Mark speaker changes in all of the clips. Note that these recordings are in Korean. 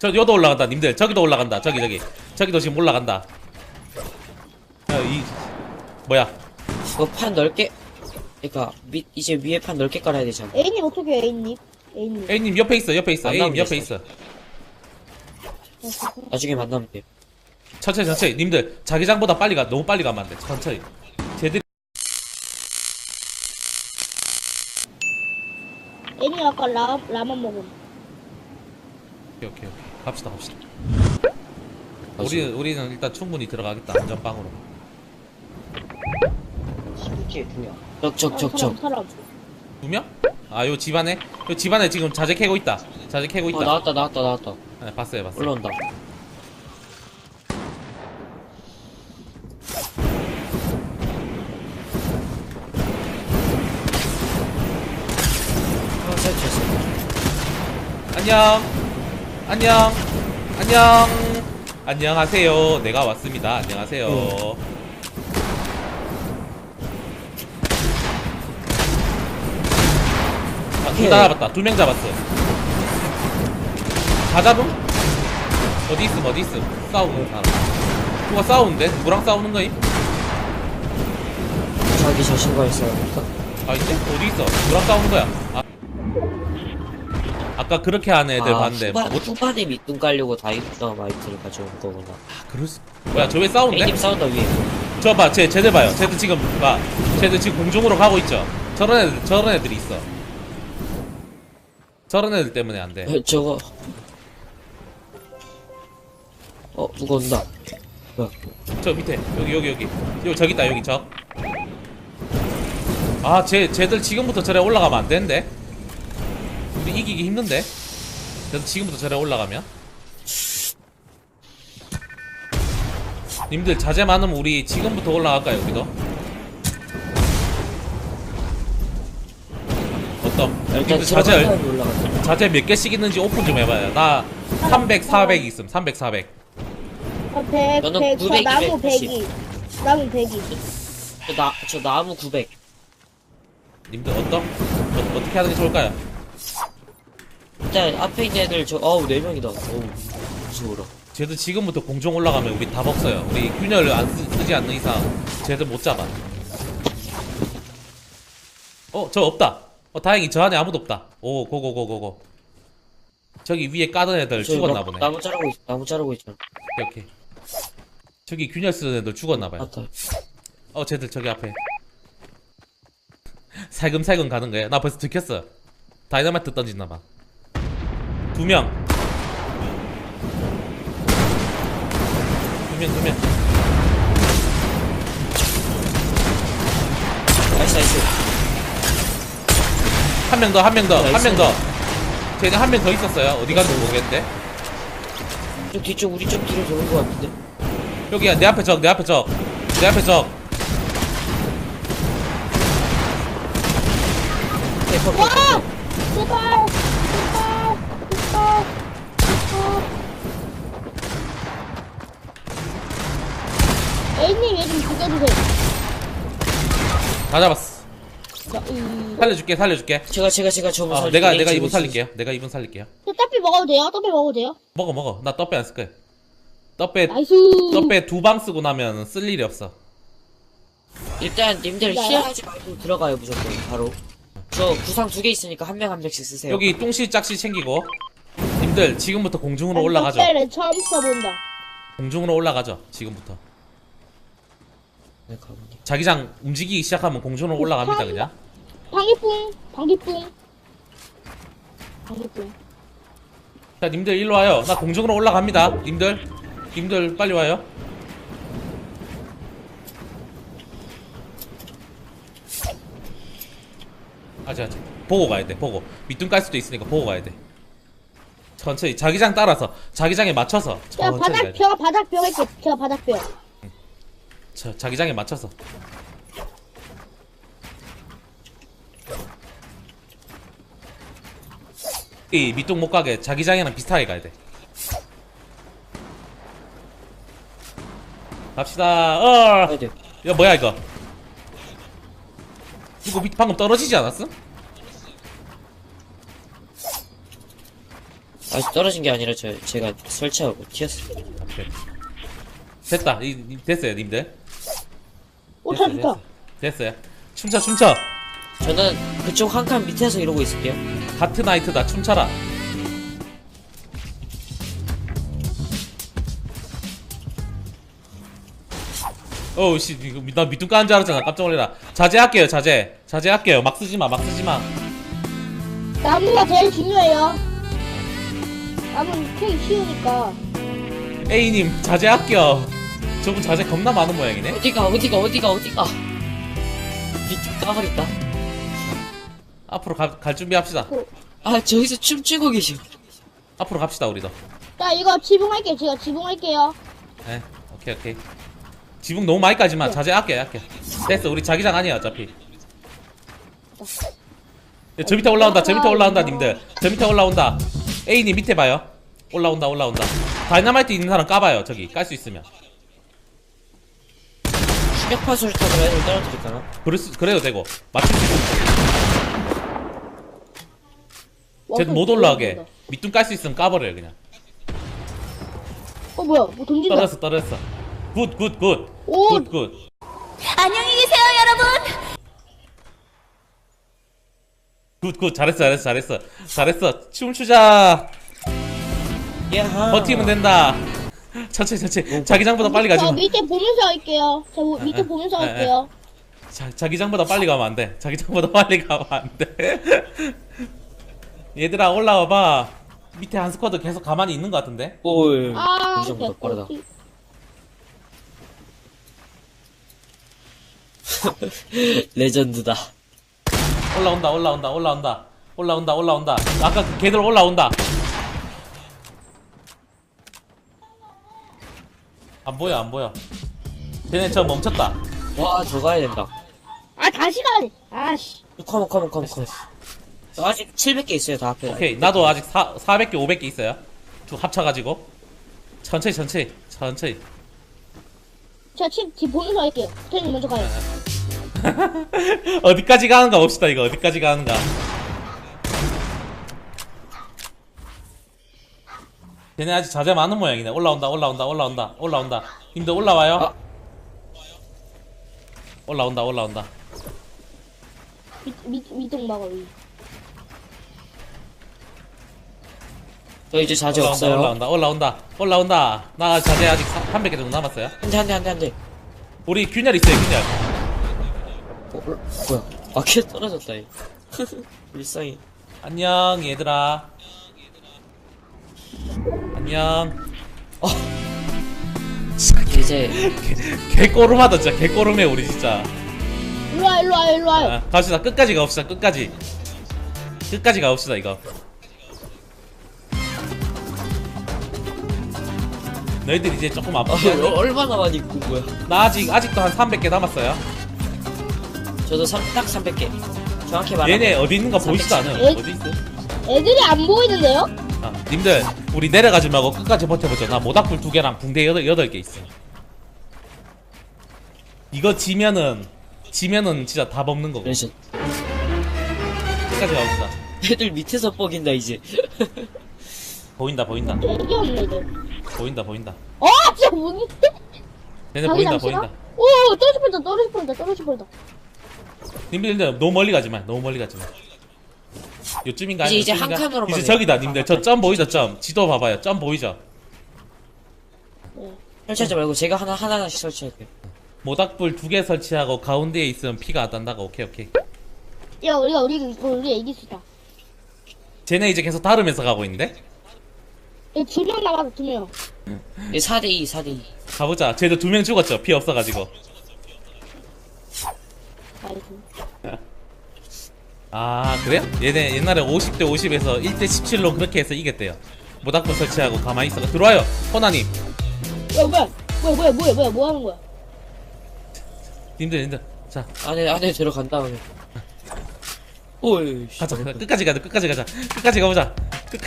Speaker 1: 여기도 올라간다 님들. 저기도 올라간다. 저기도 지금 올라간다. 뭐야
Speaker 2: 이거 판 넓게, 그니까, 이제 위에 판 넓게 깔아야 되잖아.
Speaker 3: A님 어떻게 해요, A님? A님.
Speaker 1: A님 옆에 있어 A님 옆에
Speaker 2: 됐어.
Speaker 1: 있어.
Speaker 2: 나중에 만나면 돼.
Speaker 1: 천천히 님들 자기장보다 빨리 가. 너무 빨리 가면 안돼. 천천히 쟤들.
Speaker 3: A님 아까 라면 먹음.
Speaker 1: 오케이 갑시다 우리는 일단 충분히 들어가겠다. 안전빵으로.
Speaker 2: 이렇게 그냥. 적.
Speaker 3: 사람.
Speaker 1: 2명? 아 요 집안에 지금 자재 캐고 있다.
Speaker 2: 나왔다.
Speaker 1: 네, 봤어요
Speaker 2: 올라온다. 설치했어.
Speaker 1: 안녕하세요. 내가 왔습니다. 안녕하세요. 둘 다 잡았다. 2명 잡았어. 다 잡음? 어디 있음? 싸우는 사람. 누가 싸우는데? 누구랑 싸우는 거임?
Speaker 2: 자기 자신과 있어요.
Speaker 1: 아닌데? 어디 있어? 누구랑 싸우는 거야? 아까 그렇게 하는 애들 봤는데.
Speaker 2: 후반에 밑둥 깔려고 다이너마이트를 가져온 거구나.
Speaker 1: 뭐야, 저 왜 싸우는데?
Speaker 2: A님 싸운다, 위에.
Speaker 1: 저 봐, 쟤들 봐요. 쟤들 지금 공중으로 가고 있죠? 저런 애들이 있어. 저런 애들 때문에 안 돼.
Speaker 2: 저거. 누가 온다. 뭐야.
Speaker 1: 저 밑에, 여기. 저기 있다, 여기 저. 쟤들 지금부터 저래 올라가면 안 되는데? 우리 이기기 힘든데? 그래서 지금부터 저래 올라가면? 님들 자제 많으면 우리 지금부터 올라갈까요, 우리도? 님들 자제 몇 개씩 있는지 오픈 좀 해봐요. 나 300, 400 있음. 300, 400.
Speaker 3: 100,
Speaker 2: 너는
Speaker 3: 100,
Speaker 2: 900,
Speaker 3: 나무
Speaker 2: 180.
Speaker 3: 100이. 나무 100이.
Speaker 2: 저 나무 900.
Speaker 1: 님들 어떻게 하는 게 좋을까요?
Speaker 2: 일단 앞에 있는 애들 4명이다. 무서워라.
Speaker 1: 쟤들 지금부터 공중 올라가면 우리 답 없어요. 우리 균열을 쓰지 않는 이상 쟤들 못 잡아. 저 없다. 다행히 저 안에 아무도 없다. 오, 고고. 저기 위에 까던 애들 죽었나 보네.
Speaker 2: 나무 자르고 있잖아.
Speaker 1: 오케이. 저기 균열 쓰는 애들 죽었나 봐요.
Speaker 2: 맞다.
Speaker 1: 쟤들 저기 앞에. 살금살금 가는 거야. 나 벌써 들켰어. 다이너마이트 던진나 봐. 2명. 2명.
Speaker 2: 나이스.
Speaker 1: 한 명 더. 쟤는 한 명 더 있었어요. 어디 갔는지 모르겠는데.
Speaker 2: 저 뒤쪽 우리 쪽 뒤로 도는 거 같은데.
Speaker 1: 여기야, 내 앞에 적.
Speaker 3: 와! 제발! A님 얘 좀 죽여주세요.
Speaker 1: 다 잡았어. 살려줄게.
Speaker 2: 제가 저분 살릴게요.
Speaker 1: 내가 이분 살릴게요.
Speaker 3: 저 떡비 먹어도 돼요? 떡비 먹어도 돼요?
Speaker 1: 먹어. 나 떡배 안 쓸 거야. 떡배
Speaker 3: 나이스.
Speaker 1: 2방 쓰고 나면 쓸 일이 없어.
Speaker 2: 일단 님들 힐하지 말고 들어가요 무조건 바로. 저 구상 2개 있으니까 한 명씩 쓰세요.
Speaker 1: 여기 똥실 짝실 챙기고. 님들 지금부터 공중으로 올라가죠.
Speaker 3: 떡배를 처음 써본다.
Speaker 1: 공중으로 올라가죠. 지금부터.
Speaker 2: 네, 가보니.
Speaker 1: 자기장 움직이기 시작하면 공중으로 올라갑니다. 그냥.
Speaker 3: 방귀뿡.
Speaker 1: 자, 님들 일로 와요. 나 공중으로 올라갑니다. 님들 빨리 와요. 아자 보고 가야 돼. 보고 밑둥 깔 수도 있으니까 보고 가야 돼. 천천히 자기장 따라서 자기장에 맞춰서
Speaker 3: 제가
Speaker 1: 천천히 가야 돼.
Speaker 3: 바닥뼈 할게. 제가 바닥뼈.
Speaker 1: 자기장에 맞춰서. 이 밑둥 못 가게 자기장이랑 비슷하게 가야 돼. 갑시다.
Speaker 2: 가야 돼.
Speaker 1: 야 뭐야 이거? 이거 방금 떨어지지 않았어?
Speaker 2: 아직 떨어진 게 아니라 제가 설치하고 튀었어요.
Speaker 1: 오케이. 됐다. 됐어요, 님들.
Speaker 3: 오, 잘 좋다.
Speaker 1: 됐어요. 춤춰, 춤춰.
Speaker 2: 저는 그쪽 한 칸 밑에서 이러고 있을게요.
Speaker 1: 하트나이트다. 춤춰라. 어우, 씨, 이거 나 밑둥 까는 줄 알았잖아. 깜짝 놀래라. 자제할게요, 자제. 자제할게요. 막 쓰지 마, 막 쓰지 마.
Speaker 3: 나무가 제일 중요해요. 나무는 캐기 쉬우니까.
Speaker 1: A님, 자제할게요. 저분 자제 겁나 많은 모양이네.
Speaker 2: 어디가. 밑에 까버렸다.
Speaker 1: 앞으로 갈 준비합시다.
Speaker 2: 아, 저기서 춤추고 계셔.
Speaker 1: 앞으로 갑시다, 우리도.
Speaker 3: 자, 이거 지붕할게요. 제가 지붕할게요.
Speaker 1: 네, 오케이. 지붕 너무 많이 까지마. 자제할게. 됐어, 우리 자기장 아니야, 어차피. 야, 저 밑에 올라온다, 님들. 저 밑에 올라온다. A님 밑에 봐요. 올라온다. 다이너마이트 있는 사람 까봐요, 저기. 깔 수 있으면.
Speaker 2: 충격파 수류탄으로 애들 떨어뜨릴까나?
Speaker 1: 그래도 되고. 맞출 수 있으면. 쟤는 못 올라가게. 밑둥 깔 수 있으면 까버려요, 그냥.
Speaker 3: 뭐야, 뭐 던진다.
Speaker 1: 떨어졌어. 굿.
Speaker 3: 오.
Speaker 1: 굿.
Speaker 4: 안녕히 계세요, 여러분.
Speaker 1: 굿. 잘했어. 춤추자.
Speaker 2: 야하.
Speaker 1: 버티면 된다. 천천히. 자기장보다 빨리 가지
Speaker 3: 저
Speaker 1: 마.
Speaker 3: 밑에 보면서 할게요. 저 밑에 보면서 할게요.
Speaker 1: 자기장보다 빨리 가면 안 돼. 자기장보다 빨리 가면 안 돼. 얘들아, 올라와봐. 밑에 한 스쿼드 계속 가만히 있는 것 같은데?
Speaker 2: 오,
Speaker 3: 아,
Speaker 2: 정보다 빠르다. 레전드다.
Speaker 1: 올라온다. 아까 그 걔들 올라온다. 안 보여. 쟤네 저 멈췄다.
Speaker 2: 와, 저 가야 된다.
Speaker 3: 아, 다시 가야 돼. 아씨.
Speaker 2: 컴온. 저 아직 700개 있어요, 다 앞에.
Speaker 1: 오케이, 나도 아직 400개, 500개 있어요. 두 합쳐가지고. 천천히.
Speaker 3: 제가 집 보면서 할게요. 태님 먼저 가요.
Speaker 1: 어디까지 가는가 봅시다, 이거. 어디까지 가는가. 쟤네 아직 자제 많은 모양이네. 올라온다. 님들 올라와요.
Speaker 2: 아.
Speaker 1: 올라온다.
Speaker 3: 밑동 막아, 위.
Speaker 2: 저 이제 자제 없어요.
Speaker 1: 올라온다. 나 자제 아직 300개 정도 남았어요.
Speaker 2: 한 대.
Speaker 1: 우리 균열 있어요, 균열.
Speaker 2: 뭐야. 아, 걔 떨어졌다, 얘. 불쌍해.
Speaker 1: 안녕, 얘들아. 안녕.
Speaker 2: 이제,
Speaker 1: 개꼬름하다, 진짜. 개꼬름해, 우리 진짜.
Speaker 3: 일로 와요.
Speaker 1: 아, 갑시다. 끝까지 가봅시다. 끝까지 가봅시다, 이거. 너희들 이제 조금 아프지 않니?
Speaker 2: 얼마나 많이 입고 온 거야?
Speaker 1: 나 아직도 한 300개 남았어요.
Speaker 2: 저도 딱 300개. 정확히 말하면.
Speaker 1: 얘네 어디 있는가 보이지도 않아요.
Speaker 3: 에?
Speaker 1: 어디 있어?
Speaker 3: 애들이 안 보이는데요?
Speaker 1: 아, 님들, 우리 내려가지 말고 끝까지 버텨보죠. 나 모닥불 2개랑 붕대 8개 있어. 이거 지면은 진짜 답 없는 거고.
Speaker 2: 그래서
Speaker 1: 끝까지 가봅시다.
Speaker 2: 애들 밑에서 뻑인다, 이제.
Speaker 1: 보인다.
Speaker 3: 되게 없네, 애들.
Speaker 1: 보인다.
Speaker 3: 진짜 뭐니?
Speaker 1: 얘네
Speaker 3: 자기
Speaker 1: 보인다.
Speaker 3: 잠시나? 오, 떨어질 뻔했다.
Speaker 1: 님들 너무 멀리 가지 마. 요쯤인가?
Speaker 2: 이제
Speaker 1: 요쯤인가?
Speaker 2: 한 칸으로만
Speaker 1: 이제
Speaker 2: 해요.
Speaker 1: 저기다, 님들. 저 점 보이죠, 점. 지도 봐봐요. 점 보이죠?
Speaker 2: 설치하지 말고 제가 하나씩 설치할게요.
Speaker 1: 모닥불 2개 설치하고 가운데에 있으면 피가 안 난다고. 오케이.
Speaker 3: 야, 우리 이길 수 있다.
Speaker 1: 쟤네 이제 계속 다르면서 가고 있는데?
Speaker 3: 2명 남았어, 2명.
Speaker 2: 4대2.
Speaker 1: 가보자. 쟤도 2명 죽었죠? 피 없어가지고.
Speaker 3: 나이스.
Speaker 1: 아, 그래요? 얘네 옛날에 50대 50에서 1대 17로 그렇게 해서 이겼대요. 모닥불 설치하고 가만히 있어. 들어와요, 호나님.
Speaker 3: 뭐야, 뭐 하는 거야?
Speaker 1: 님들. 자,
Speaker 2: 안에 들어간 다음에. 오이.
Speaker 1: 가자. 끝까지 가자. 끝까지 가보자.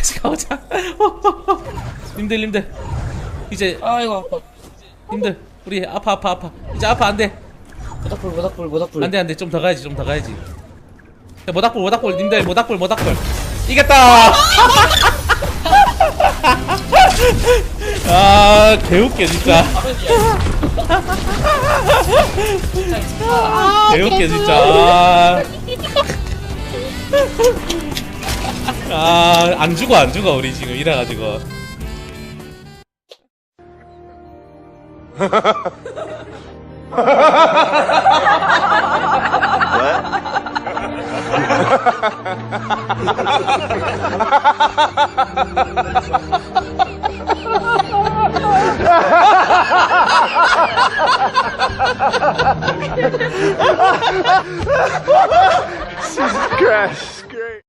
Speaker 1: 님들. 이제,
Speaker 2: 아이고, 아파.
Speaker 1: 님들. 우리 아파. 이제 아파, 안 돼.
Speaker 2: 모닥불.
Speaker 1: 안 돼. 좀 더 가야지. 야, 모닥불. 님들, 모닥불. 이겼다! 아 개웃겨 진짜.
Speaker 2: 바로 이제.
Speaker 1: 개웃겨 진짜. 안 죽어 우리 지금 이래가지고.
Speaker 5: Jesus Christ, great.